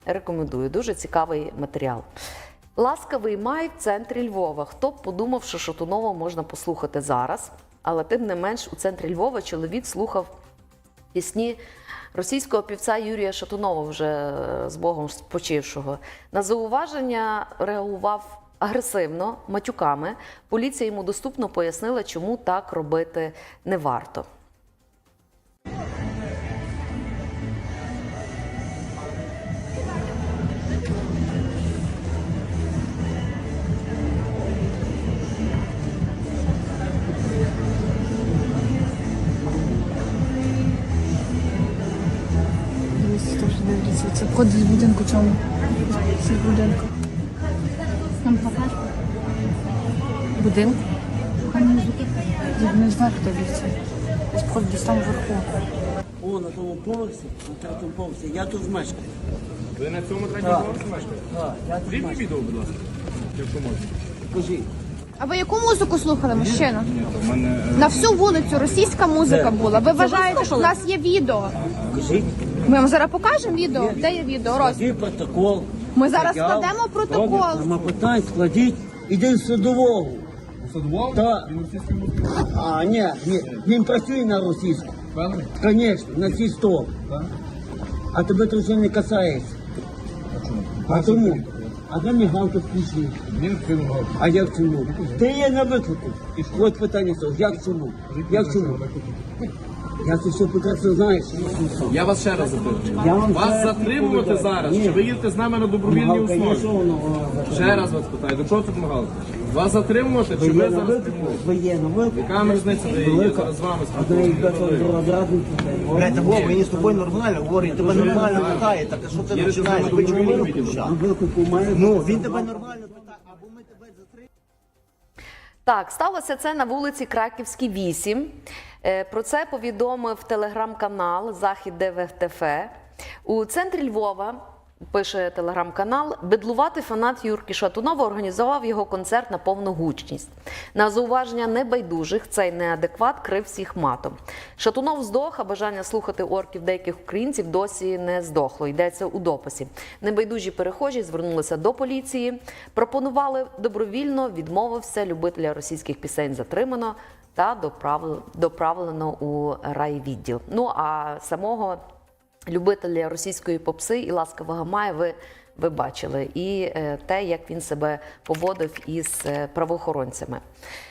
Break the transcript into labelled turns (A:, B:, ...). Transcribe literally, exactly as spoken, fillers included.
A: Рекомендую, дуже цікавий матеріал. Ласкавий май в центрі Львова. Хто б подумав, що Шатунова можна послухати зараз, але тим не менш у центрі Львова чоловік слухав пісні російського півця Юрія Шатунова, вже з Богом спочившого. На зауваження реагував агресивно, матюками. Поліція йому доступно пояснила, чому так робити не варто.
B: Це код з будинку чому? З будинку. Нам покажеш? Будинку? Не зверху дивіться. Десь вход десь там вверху.
C: О, на тому поверсі, на третьому поверсі. Я тут мешкаю.
D: Ви на цьому третьому поверсі мешкаєте?
C: Так, я тут
D: Зрібні
C: мешкаю.
D: відео, будь ласка, якщо можна.
C: Кажіть.
B: А ви яку музику слухали, мужчина?
D: Ні, в мене...
B: На всю вулицю російська музика була. Ви вважаєте, що в нас є відео?
C: Кажіть.
B: Ми вам зараз покажемо відео. Де є відео? Роз.
C: Складіть протокол.
B: Ми зараз
C: Заяву.
B: складемо протокол.
C: Добре, нема питань, складіть. Іди в судового.
D: Садував?
C: Так.
D: Він російською мовою?
C: А, ні, ні, він працює на російську.
D: Певний?
C: Звісно, на цій сто.
D: Так.
C: А тебе це вже не касається.
D: А чому?
C: А тому? А де мігалку включив?
D: Він вкинув.
C: А як чому? Ти є на виклику. От питання стало, як чому? Як чому? Я це все прекрасно знаєш.
D: Я вас ще раз запитую.
C: Я вам
D: Вас
C: ще раз
D: затримувати
C: відповідаю.
D: зараз,
C: Ні.
D: чи ви їдете з нами на добровільній
C: Мігалка є, що
D: основі?
C: воно о,
D: Ще раз вас питаю, до чого тут мигалка? Вас затримувати, чи
C: Ви
D: ви
C: є на
D: зараз
C: виклику?
D: спілкуєтесь?
C: Ви є на виклику?
D: Яка ми різниця, де я є зараз з вами
C: Одна із
D: спілкуюся?
E: Блядь, та Вова, мені з тобою нормально говорить, тебе нормально питає, так а що ти
D: Є
E: починаєш?
D: режим
E: Ви чому
D: добровільного
E: вируку
D: відділу.
C: На виклику має
E: Ну, він тебе нормально питає, або ми тебе затримаємо.
A: Так, сталося це на вулиці Краківській, вісім. Е, Про це повідомив телеграм-канал «Захід ДВТФ». У центрі Львова, пише телеграм-канал, бедлуватий фанат Юрки Шатунова організував його концерт на повну гучність. На зауваження небайдужих цей неадекват крив всіх матом. Шатунов здох, а бажання слухати орків деяких українців досі не здохло, йдеться у дописі. Небайдужі перехожі звернулися до поліції, пропонували добровільно, відмовився, любителя російських пісень затримано та доправлено у райвідділ. Ну а самого любителя російської попси і ласкавого мая ви, ви бачили. І е, те, як він себе поводив із е, правоохоронцями.